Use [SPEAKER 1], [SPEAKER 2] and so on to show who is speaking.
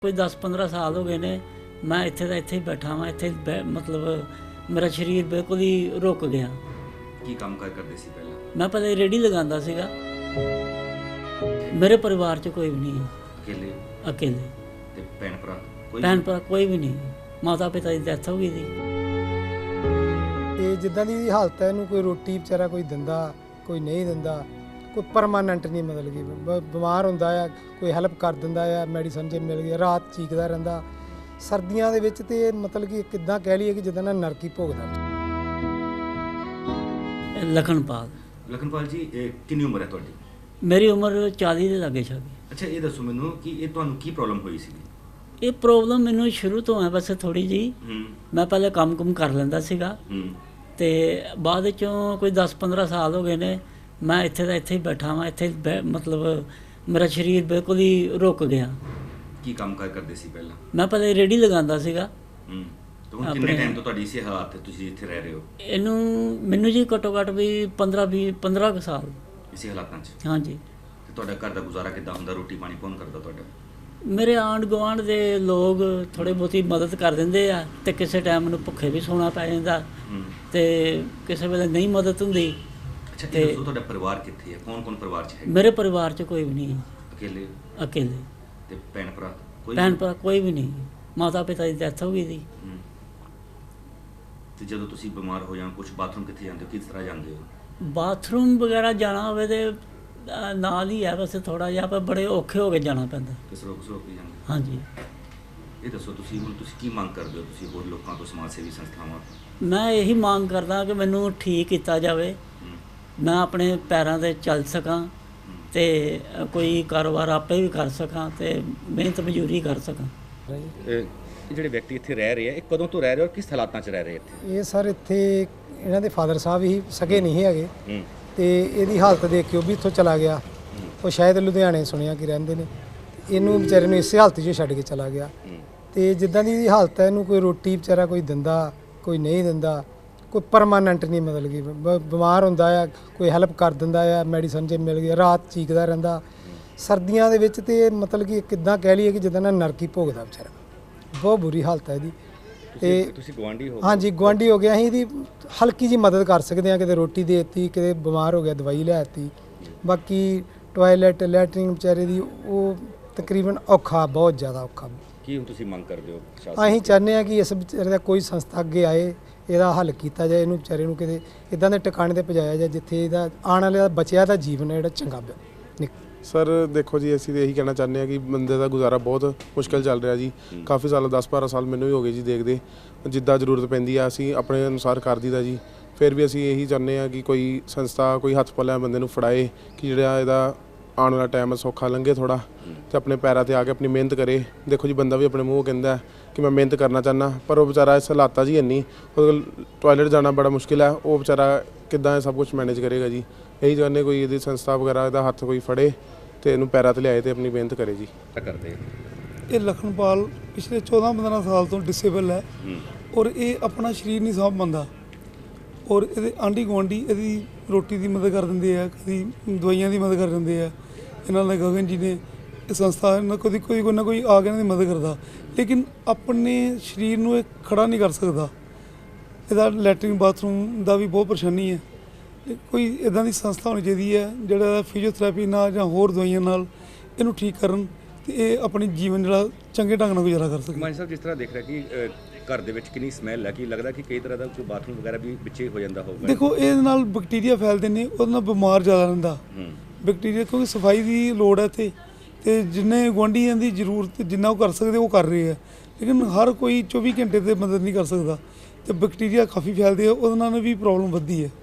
[SPEAKER 1] ਕੋਈ 10-15 ਸਾਲ ਹੋ ਗਏ ਨੇ ਮੈਂ ਇੱਥੇ ਦਾ ਇੱਥੇ ਹੀ ਬੈਠਾ ਵਾਂ। ਇੱਥੇ ਮਤਲਬ ਮੇਰਾ ਸਰੀਰ ਬਿਲਕੁਲ ਹੀ ਰੁਕ ਗਿਆ।
[SPEAKER 2] ਕੀ ਕੰਮ ਕਰਦੇ ਸੀ ਪਹਿਲਾਂ?
[SPEAKER 1] ਮੈਂ ਪਹਿਲੇ ਰੇਹੜੀ ਲਗਾਉਂਦਾ ਸੀਗਾ। ਮੇਰੇ ਪਰਿਵਾਰ 'ਚ ਕੋਈ ਵੀ ਨਹੀਂ ਹੈ। ਅਕੇਲੇ
[SPEAKER 2] ਤੇ ਭੈਣ ਭਰਾ
[SPEAKER 1] ਕੋਈ ਵੀ ਨਹੀਂ। ਮਾਤਾ ਪਿਤਾ ਦੀ ਡੈਥ ਹੋ ਗਈ ਸੀ।
[SPEAKER 3] ਤੇ ਜਿੱਦਾਂ ਦੀ ਹਾਲਤ ਹੈ ਇਹਨੂੰ ਕੋਈ ਰੋਟੀ ਵਿਚਾਰਾ ਕੋਈ ਦਿੰਦਾ, ਕੋਈ ਨਹੀਂ ਦਿੰਦਾ, ਕੋਈ ਪਰਮਾਨੈਂਟ ਨਹੀਂ। ਮਤਲਬ ਕਿ ਬਿਮਾਰ ਹੁੰਦਾ ਆ, ਕੋਈ ਹੈਲਪ ਕਰ ਦਿੰਦਾ ਆ, ਮੈਡੀਸਨ ਜੇ ਮਿਲ ਗਈ, ਰਾਤ ਚੀਕਦਾ ਰਹਿੰਦਾ। ਸਰਦੀਆਂ ਦੇ ਵਿੱਚ ਤੇ ਮਤਲਬ ਕਿ ਕਿੱਦਾਂ ਕਹਿ ਲਈਏ ਕਿ ਜਿੱਦਾਂ ਨਾ ਨਰਕੀ ਭੋਗਦਾ।
[SPEAKER 2] ਲਖਨਪਾਲ ਜੀ, ਕਿੰਨੀ ਉਮਰ ਹੈ ਤੁਹਾਡੀ?
[SPEAKER 1] ਮੇਰੀ ਉਮਰ 40 ਦੇ ਲਾਗੇ ਛਾਗੇ।
[SPEAKER 2] ਅੱਛਾ, ਇਹ ਦੱਸੋ ਮੈਨੂੰ ਕਿ ਇਹ ਤੁਹਾਨੂੰ ਕੀ ਪ੍ਰੋਬਲਮ ਹੋਈ ਸੀ?
[SPEAKER 1] ਇਹ ਪ੍ਰੋਬਲਮ ਮੈਨੂੰ ਸ਼ੁਰੂ ਤੋਂ ਹੈ ਵੈਸੇ ਥੋੜੀ ਜੀ। ਮੈਂ ਪਹਿਲੇ ਕੰਮ ਕਰ ਲੈਂਦਾ ਸੀਗਾ ਤੇ ਬਾਅਦ ਚੋਂ ਕੋਈ 10-15 ਸਾਲ ਹੋ ਗਏ ਨੇ ਮੈਂ ਇੱਥੇ ਦਾ ਇੱਥੇ ਹੀ ਬੈਠਾ ਵਾਂ। ਇੱਥੇ ਮਤਲਬ ਮੇਰਾ ਸਰੀਰ ਬਿਲਕੁਲ ਹੀ ਰੁਕ ਗਿਆ।
[SPEAKER 2] ਕੀ ਕੰਮ ਕਰਦੇ ਸੀ ਪਹਿਲਾਂ?
[SPEAKER 1] ਮੈਂ ਪਹਿਲੇ ਰੇਹੜੀ ਲਗਾਉਂਦਾ ਸੀਗਾ।
[SPEAKER 2] ਹੁਣ ਕਿੰਨੇ ਟਾਈਮ ਤੋਂ ਤੁਹਾਡੀ ਇਸੇ ਹਾਲਾਤ ਤੇ ਤੁਸੀਂ ਇੱਥੇ ਰਹਿ ਰਹੇ ਹੋ?
[SPEAKER 1] ਮੈਨੂੰ ਜੀ ਘੱਟੋ ਘੱਟ ਵੀ 15 ਸਾਲ
[SPEAKER 2] ਇਸੇ ਹਾਲਾਤਾਂ 'ਚ।
[SPEAKER 1] ਹਾਂਜੀ।
[SPEAKER 2] ਤੇ ਤੁਹਾਡਾ ਘਰ ਦਾ ਗੁਜ਼ਾਰਾ ਕਿੱਦਾਂ ਹੁੰਦਾ? ਰੋਟੀ ਪਾਣੀ ਕੌਣ ਕਰਦਾ ਤੁਹਾਡਾ?
[SPEAKER 1] ਮੇਰੇ ਆਂਢ ਗੁਆਂਢ ਦੇ ਲੋਕ ਥੋੜ੍ਹੀ ਬਹੁਤੀ ਮਦਦ ਕਰ ਦਿੰਦੇ ਆ ਤੇ ਕਿਸੇ ਟਾਈਮ ਮੈਨੂੰ ਭੁੱਖੇ ਵੀ ਸੌਣਾ ਪੈ ਜਾਂਦਾ ਤੇ ਕਿਸੇ ਵੇਲੇ ਨਹੀਂ ਮਦਦ ਹੁੰਦੀ।
[SPEAKER 2] ਅੱਛਾ, ਇਹ ਦੱਸੋ ਤੁਹਾਡਾ ਪਰਿਵਾਰ ਕਿੱਥੇ ਹੈ? ਕੌਣ ਪਰਿਵਾਰ 'ਚ ਹੈ?
[SPEAKER 1] ਮੇਰੇ ਪਰਿਵਾਰ 'ਚ ਕੋਈ ਵੀ ਨਹੀਂ। ਅਕੇਲੇ
[SPEAKER 2] ਤੇ ਭੈਣ ਭਰਾ
[SPEAKER 1] ਕੋਈ ਵੀ ਨਹੀਂ। ਮਾਤਾ ਪਿਤਾ ਦੀ ਡੈਥ ਹੋ ਗਈ ਸੀ।
[SPEAKER 2] ਤੇ ਜਦੋਂ ਤੁਸੀਂ ਬਿਮਾਰ ਹੋ ਜਾਂ ਕੁਝ ਬਾਥਰੂਮ ਕਿੱਥੇ ਜਾਂਦੇ ਹੋ? ਕਿਸ ਤਰ੍ਹਾਂ ਜਾਂਦੇ ਹੋ?
[SPEAKER 1] ਬਾਥਰੂਮ ਵਗੈਰਾ ਜਾਣਾ ਹੋਵੇ ਤੇ ਨਾਲ ਹੀ ਹੈ ਵੈਸੇ ਥੋੜਾ ਜਿਹਾ, ਪਰ ਬੜੇ ਔਖੇ ਹੋ ਕੇ ਜਾਣਾ ਪੈਂਦਾ।
[SPEAKER 2] ਕਿਸ ਰੋਕ ਕੇ ਜਾਂਦੇ?
[SPEAKER 1] ਹਾਂਜੀ।
[SPEAKER 2] ਇਹ ਦੱਸੋ ਤੁਸੀਂ ਕੀ ਮੰਗ ਕਰਦੇ ਹੋ? ਤੁਸੀਂ ਹੋਰ ਲੋਕਾਂ ਤੋਂ, ਸਮਾਜ ਸੇਵੀ ਸੰਸਥਾਵਾਂ ਤੋਂ?
[SPEAKER 1] ਮੈਂ ਇਹੀ ਮੰਗ ਕਰਦਾ ਕਿ ਮੈਨੂੰ ਠੀਕ ਕੀਤਾ ਜਾਵੇ, ਮੈਂ ਆਪਣੇ ਪੈਰਾਂ 'ਤੇ ਚੱਲ ਸਕਾਂ ਤੇ ਕੋਈ ਕਾਰੋਬਾਰ ਆਪੇ ਵੀ ਕਰ ਸਕਾਂ ਤੇ ਮਿਹਨਤ ਮਜ਼ਦੂਰੀ ਕਰ ਸਕਾਂ।
[SPEAKER 2] ਇਹ ਜਿਹੜੇ ਵਿਅਕਤੀ ਇੱਥੇ ਰਹਿ ਰਹੇ ਆ, ਇਹ ਕਦੋਂ ਤੋਂ ਰਹਿ ਰਹੇ ਔਰ ਕਿਸ ਹਾਲਾਤਾਂ 'ਚ ਰਹਿ ਰਹੇ ਇੱਥੇ?
[SPEAKER 3] ਇਹ ਸਰ ਇੱਥੇ ਇਹਨਾਂ ਦੇ ਫਾਦਰ ਸਾਹਿਬ ਹੀ ਸਗੇ ਨਹੀਂ ਹੈਗੇ ਤੇ ਇਹਦੀ ਹਾਲਤ ਦੇਖ ਕੇ ਉਹ ਵੀ ਇੱਥੋਂ ਚਲਾ ਗਿਆ। ਉਹ ਸ਼ਾਇਦ ਲੁਧਿਆਣੇ ਸੁਣਿਆ ਕਿ ਰਹਿੰਦੇ ਨੇ। ਇਹਨੂੰ ਵਿਚਾਰੇ ਨੂੰ ਇਸੇ ਹਾਲਤ 'ਚ ਛੱਡ ਕੇ ਚਲਾ ਗਿਆ। ਤੇ ਜਿੱਦਾਂ ਦੀ ਹਾਲਤ ਹੈ ਇਹਨੂੰ ਕੋਈ ਰੋਟੀ ਵਿਚਾਰਾ ਕੋਈ ਦਿੰਦਾ, ਕੋਈ ਨਹੀਂ ਦਿੰਦਾ, ਕੋਈ ਪਰਮਾਨੈਂਟ ਨਹੀਂ। ਮਤਲਬ ਕਿ ਬਿਮਾਰ ਹੁੰਦਾ ਆ, ਕੋਈ ਹੈਲਪ ਕਰ ਦਿੰਦਾ ਆ, ਮੈਡੀਸਨ ਜੇ ਮਿਲ ਗਈ, ਰਾਤ ਚੀਕਦਾ ਰਹਿੰਦਾ। ਸਰਦੀਆਂ ਦੇ ਵਿੱਚ ਤੇ ਮਤਲਬ ਕਿ ਕਿੱਦਾਂ ਕਹਿ ਲਈਏ ਕਿ ਜਿੱਦਾਂ ਨਾ ਨਰਕੀ ਭੋਗਦਾ ਵਿਚਾਰਾ। ਬਹੁਤ ਬੁਰੀ ਹਾਲਤ ਹੈ ਇਹਦੀ। ਤੇ
[SPEAKER 2] ਤੁਸੀਂ ਗੁਆਂਢੀ ਹੋ? ਹਾਂਜੀ,
[SPEAKER 3] ਗੁਆਂਢੀ ਹੋ ਗਿਆ। ਅਸੀਂ ਇਹਦੀ ਹਲਕੀ ਜੀ ਮਦਦ ਕਰ ਸਕਦੇ ਹਾਂ। ਕਿਤੇ ਰੋਟੀ ਦੇ ਦਿੱਤੀ, ਕਿਤੇ ਬਿਮਾਰ ਹੋ ਗਿਆ ਦਵਾਈ ਲੈ ਦਿੱਤੀ। ਬਾਕੀ ਟੋਇਲਟ ਲੈਟਰਿੰਗ ਵਿਚਾਰੇ ਦੀ ਉਹ ਤਕਰੀਬਨ ਔਖਾ, ਬਹੁਤ ਜ਼ਿਆਦਾ ਔਖਾ।
[SPEAKER 2] ਕੀ ਹੁਣ ਤੁਸੀਂ ਮੰਗ ਕਰਦੇ ਹੋ?
[SPEAKER 3] ਅਸੀਂ ਚਾਹੁੰਦੇ ਹਾਂ ਕਿ ਇਸ ਵਿਚਾਰੇ ਦਾ ਕੋਈ ਸੰਸਥਾ ਅੱਗੇ ਆਏ, ਇਹਦਾ ਹੱਲ ਕੀਤਾ ਜਾਏ, ਇਹਨੂੰ ਵਿਚਾਰੇ ਨੂੰ ਕਿਤੇ ਇੱਦਾਂ ਦੇ ਟਿਕਾਣੇ 'ਤੇ ਪਹੁੰਚਾਇਆ ਜਾਏ ਜਿੱਥੇ ਇਹਦਾ ਆਉਣ ਵਾਲੇ ਦਾ ਬਚਿਆ ਦਾ ਜੀਵਨ ਹੈ ਜਿਹੜਾ ਚੰਗਾ
[SPEAKER 4] ਸਰ ਦੇਖੋ ਜੀ, ਅਸੀਂ ਤਾਂ ਇਹੀ ਕਹਿਣਾ ਚਾਹੁੰਦੇ ਹਾਂ ਕਿ ਬੰਦੇ ਦਾ ਗੁਜ਼ਾਰਾ ਬਹੁਤ ਮੁਸ਼ਕਿਲ ਚੱਲ ਰਿਹਾ ਜੀ। ਕਾਫੀ ਸਾਲ, 10-12 ਸਾਲ ਮੈਨੂੰ ਵੀ ਹੋ ਗਏ ਜੀ ਦੇਖਦੇ। ਜਿੱਦਾਂ ਜ਼ਰੂਰਤ ਪੈਂਦੀ ਆ ਅਸੀਂ ਆਪਣੇ ਅਨੁਸਾਰ ਕਰ ਦਈਦਾ ਜੀ। ਫਿਰ ਵੀ ਅਸੀਂ ਇਹੀ ਚਾਹੁੰਦੇ ਹਾਂ ਕਿ ਕੋਈ ਸੰਸਥਾ, ਕੋਈ ਹੱਥ ਪੱਲਿਆਂ ਬੰਦੇ ਨੂੰ ਫੜਾਏ ਕਿ ਜਿਹੜਾ ਇਹਦਾ ਆਉਣ ਵਾਲਾ ਟਾਈਮ ਸੌਖਾ ਲੰਘੇ ਥੋੜ੍ਹਾ, ਅਤੇ ਆਪਣੇ ਪੈਰਾਂ 'ਤੇ ਆ ਕੇ ਆਪਣੀ ਮਿਹਨਤ ਕਰੇ। ਦੇਖੋ ਜੀ, ਬੰਦਾ ਵੀ ਆਪਣੇ ਮੂੰਹ ਕਹਿੰਦਾ ਕਿ ਮੈਂ ਮਿਹਨਤ ਕਰਨਾ ਚਾਹੁੰਦਾ, ਪਰ ਉਹ ਵਿਚਾਰਾ ਇਸ ਹਾਲਾਤਾਂ 'ਚ ਹੀ ਇੰਨੀ, ਉਹਦੇ ਕੋਲ ਟੋਇਲਟ ਜਾਣਾ ਬੜਾ ਮੁਸ਼ਕਿਲ ਹੈ। ਉਹ ਵਿਚਾਰਾ ਕਿੱਦਾਂ ਇਹ ਸਭ ਕੁਝ ਮੈਨੇਜ ਕਰੇਗਾ ਜੀ? ਇਹੀ ਚਾਹੁੰਦੇ ਕੋਈ ਇਹਦੀ ਸੰਸਥਾ ਵਗੈਰਾ ਇਹਦਾ ਹੱਥ ਕੋਈ ਫੜੇ ਤੇ ਇਹਨੂੰ ਪੈਰਾਂ 'ਤੇ ਲਿਆਏ ਤੇ ਆਪਣੀ ਮਿਹਨਤ ਕਰੇ ਜੀ।
[SPEAKER 2] ਕਰਦੇ
[SPEAKER 5] ਇਹ ਲਖਨਪਾਲ ਪਿਛਲੇ 14-15 ਸਾਲ ਤੋਂ ਡਿਸੇਬਲ ਹੈ ਔਰ ਇਹ ਆਪਣਾ ਸਰੀਰ ਨਹੀਂ ਸਾਂਭ ਪਾਉਂਦਾ। ਔਰ ਇਹਦੇ ਆਂਢੀ ਗੁਆਂਢੀ ਇਹਦੀ ਰੋਟੀ ਦੀ ਮਦਦ ਕਰ ਦਿੰਦੇ ਆ, ਕਦੀ ਦਵਾਈਆਂ ਦੀ ਮਦਦ ਕਰ ਦਿੰਦੇ ਆ। ਇਹਨਾਂ ਦੇ ਗਗਨ ਜੀ ਨੇ ਇਹ ਸੰਸਥਾ ਨਾਲ ਕੋਈ ਨਾ ਕੋਈ ਆ ਕੇ ਇਹਨਾਂ ਦੀ ਮਦਦ ਕਰਦਾ, ਲੇਕਿਨ ਆਪਣੇ ਸਰੀਰ ਨੂੰ ਇਹ ਖੜਾ ਨਹੀਂ ਕਰ ਸਕਦਾ। ਇਹਦਾ ਲੈਟਰਿੰਗ ਬਾਥਰੂਮ ਦਾ ਵੀ ਬਹੁਤ ਪਰੇਸ਼ਾਨੀ ਹੈ। ਕੋਈ ਇੱਦਾਂ ਦੀ ਸੰਸਥਾ ਹੋਣੀ ਚਾਹੀਦੀ ਹੈ ਜਿਹੜਾ ਫਿਜ਼ੀਓਥੈਰੇਪੀ ਨਾਲ ਜਾਂ ਹੋਰ ਦਵਾਈਆਂ ਨਾਲ ਇਹਨੂੰ ਠੀਕ ਕਰਨ ਤੇ ਇਹ ਆਪਣੀ ਜੀਵਨ ਜਿਹੜਾ ਚੰਗੇ ਢੰਗ ਨਾਲ ਗੁਜ਼ਾਰਾ ਕਰ ਸਕੇ।
[SPEAKER 2] ਮਾਨ ਸਾਹਿਬ, ਜਿਸ ਤਰ੍ਹਾਂ ਦੇਖ ਰਿਹਾ ਕਿ ਘਰ ਦੇ ਵਿੱਚ ਕਿੰਨੀ ਸਮੈਲ ਹੈ, ਕਿ ਲੱਗਦਾ ਕਿ ਕਈ ਤਰ੍ਹਾਂ ਦਾ ਕੋਈ ਬਾਥਰੂਮ ਵਗੈਰਾ ਵੀ ਵਿੱਚੇ ਹੋ ਜਾਂਦਾ ਹੋਊਗਾ?
[SPEAKER 5] ਦੇਖੋ, ਇਹਦੇ ਨਾਲ ਬੈਕਟੀਰੀਆ ਫੈਲਦੇ ਨੇ, ਉਹਦੇ ਨਾਲ ਬਿਮਾਰ ਜ਼ਿਆਦਾ ਰਹਿੰਦਾ ਬੈਕਟੀਰੀਆ, ਕਿਉਂਕਿ ਸਫਾਈ ਦੀ ਲੋੜ ਹੈ ਇੱਥੇ ਤੇ ਜਿੰਨੇ ਗੁਆਂਢੀਆਂ ਦੀ ਜ਼ਰੂਰਤ ਜਿੰਨਾ ਉਹ ਕਰ ਸਕਦੇ ਉਹ ਕਰ ਰਹੇ ਆ, ਲੇਕਿਨ ਹਰ ਕੋਈ 24 ਘੰਟੇ ਤੇ ਮਦਦ ਨਹੀਂ ਕਰ ਸਕਦਾ ਤੇ ਬੈਕਟੀਰੀਆ ਕਾਫੀ ਫੈਲਦੇ ਆ, ਉਹਦੇ ਨਾਲ ਵੀ ਪ੍ਰੋਬਲਮ ਵੱਧਦੀ ਹੈ।